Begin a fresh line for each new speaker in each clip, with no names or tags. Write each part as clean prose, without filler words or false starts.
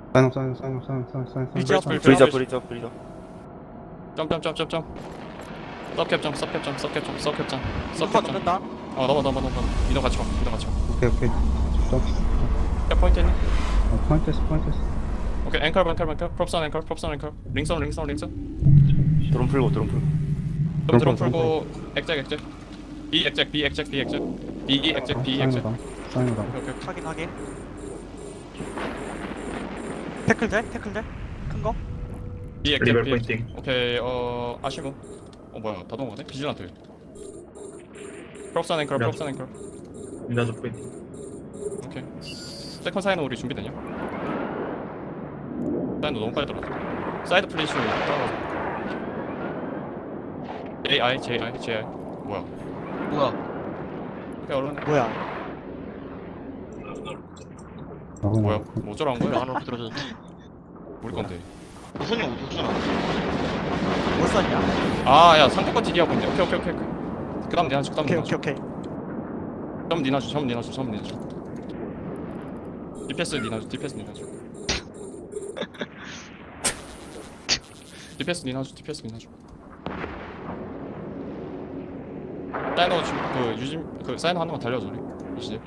사인
브리저 브리저.
점점점점점. 서캡점 서캡점 서캡점 서캡점
누가
서캡점.
넘는다.
넘어. 민호 같이 와.
오케이 점프
포인트 있니?
포인트스
오케이 앵커 propson 앵커 링선
드론 풀고.
드론 풀고 액잭 B 액잭 B 액잭
사인이다
오케이
확인. 태클 돼? 큰 거?
B 액잭
리벨
B 액잭.
포인팅.
오케이 아시모 뭐야 다 넘어가네 비질란트 propson 앵커
민다저 포인팅.
오케이 세컨 사이는 우리 준비되냐? 사이도 너무 빨리 들어갔어 사이드 플리슈 따라가자 JI 뭐야 오케이 얼른
뭐야?
뭐야 뭐 어쩌라는 거야?
안으로 들어줬는데
우리 건데
손이 어디서 나왔어?
뭘 썼냐?
아야 상대권 딜이 하고 있네 오케이 그 다음 니나주
오케이.
점 니나주 디패스 니나주 디패스 니나주 사이너 그 유진 그 사이너 하나만 달려줘 우리 이제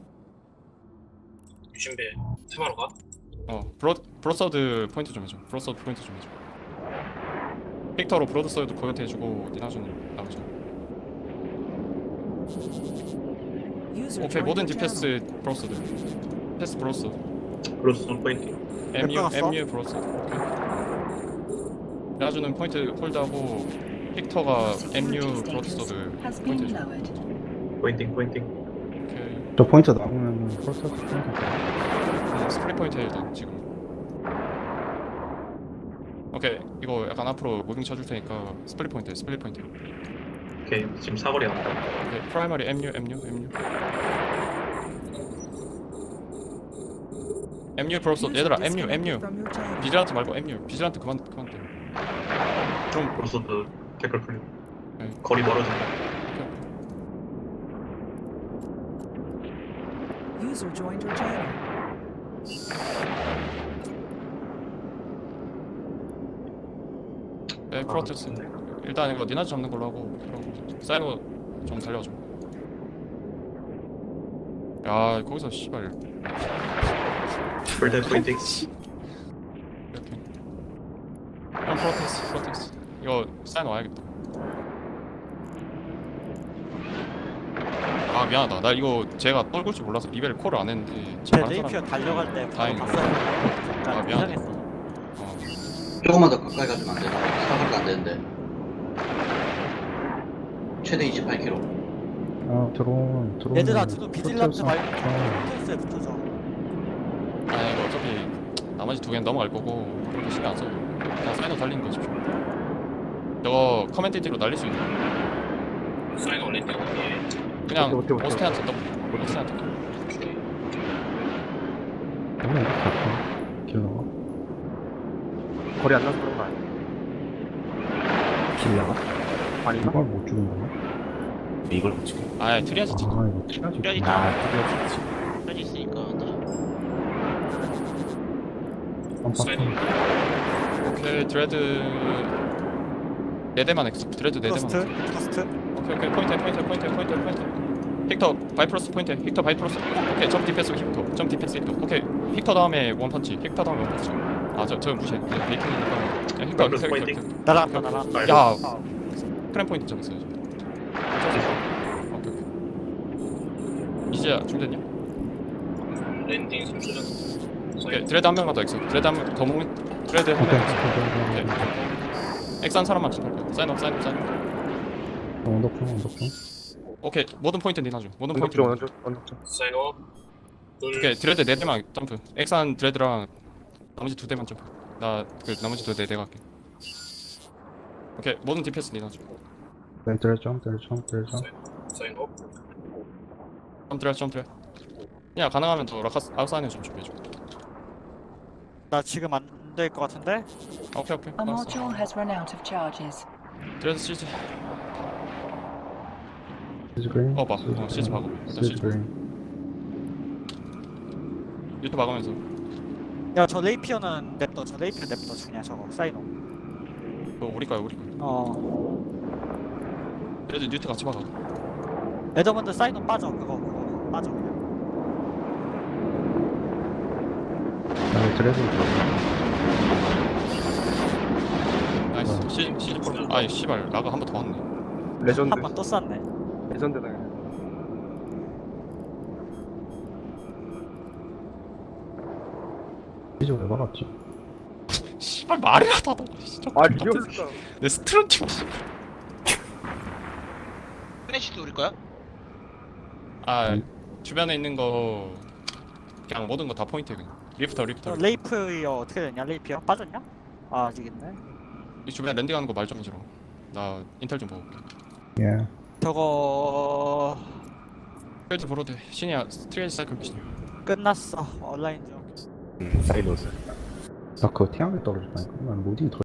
유신배 테마로 가?
브로서드 포인트 좀 해줘 픽터로 브로드서드 포인트 해주고 니나주는 나오자 오케이 모든 디패스 브로서드 패스 브로서드
브로스 포인팅.
MU 브로서드 오케이 니나주는 포인트 홀드하고 픽터가 MU 브로드서드 포인트 해줘
포인팅.
오케이
저 포인트 나오면 프로세스 포인트
스프링 포인트 일단 지금 오케이 이거 약간 앞으로 무빙 쳐줄 테니까 스플릿 포인트
오케이 지금 사거리 나온다.
오케이 프라이머리 MU 브로서 얘들아 MU 비질란트 말고 MU 비질란트 그만 때 좀
브로스도 태클 풀리고.
네.
거리 멀어진다.
User joined your channel.
네, 프로테스 일단 이거 니나즈 잡는 걸로 하고 사이로 좀 달려줘 야 거기서 씨발
풀대 포인팅.
이렇게 프로테스 이거 사인 와야겠다 아 미안하다 나 이거 제가 떨굴 줄 몰라서 리벨 콜을 안 했는데
제
다른
레이피어
사람
달려갈 때
다행이다.
봤어요.
아, 미안해.
이상했어.
조금만 더 가까이 가주면 안 되나? 사거리가 안 되는데. 최대 28km.
드론
얘들아 지금 비질란트 말고
아,
포트스에 붙어줘.
아니 이거 어차피 나머지 두 개는 넘어갈 거고 그렇게 신경 안 써도 그냥 사이너 달리는 거 집중 저거 커맨디티로 날릴 수 있는
사인 올릴 때 어디에?
그냥
오케이.
오스테한테 더블 오스테한테
오늘 이렇게 갈까? 길러가
거리 안 나서 그런 거 아니야?
길러가?
아닌가?
이걸 못 죽은 거야?
이걸 못 찍어.
아예 트리아지 찍
이거 티라지
트리아지
드디어 찍지.
편이 있으니까 나
오케이 드레드 4대만 엑스 드레드 4대만
포스트.
오케이 포인트 픽터 바이프로스 포인트 픽터 바이프로스 오케이 점 디펜스 히터 오케이 픽터 다음에 원펀치 아저 무시해 베이킹이니까 야
브로스
픽터
포인팅.
날아갔다.
야 크램 포인트 잡았어야지 오케이 이제야 준비됐냐?
랜딩 3초
오케이 드레드 한 명만 더 엑스 드레드 한명 더 모으면 드레드 한 명 엑스 엑스 한 사람만 좀 할게요 사인
언더풍
오케이 모든 포인트 니나줘 모든 포인트
언덕
사인업.
오케이 드레드 4대만 점프 엑산 드레드랑 나머지 2대만 점프 나 그 나머지 2대 내가 할게 오케이 모든 디펜스 니나줘
점
사인업.
점프래 야 가능하면 더 라카스 아웃사인에 좀 준비해줘
나 지금 안 될 것 같은데?
오케이
A
알았어
module has run out of charges.
드레드 시즈
시즈 그린
봐 시즈 박아
시즈 그린
유튜브 박으면서
야저 레이피어는 냅둬. 저 레이피어 냅둬. 그냥 저거 사이노.
우리 거야 우리 거야. 그래도 뉴트 같이 박아.
에더먼드 사이노 빠져. 그거 빠져 그냥.
나는 드레스
나이스. 시즈 폴. 아이 씨발 나가 한 번 더 왔네.
레전드.
한 번 또 쐈네.
레전드다. 그냥.
이제 왜 막았지?
씨발 말이라도 하다. 진짜.
아 리얼스다.
내 스트런팀.
플래시도 우리 거야?
아 주변에 있는 거 그냥 모든 거 다 포인트 그냥. 리프터.
레이피어 어떻게 됐냐? 레이피어 빠졌냐? 아 아직 있네.
이 주변에 랜딩하는 거 말 좀 해주라. 나 인텔 좀 보고.
예.
저거
스트레이트 보러 돼. 신이야 스트레이트 사이클 미신.
끝났어. 온라인 중.
사이노스.
나 그거 태양에 떨어졌다니까. 난 모딩 더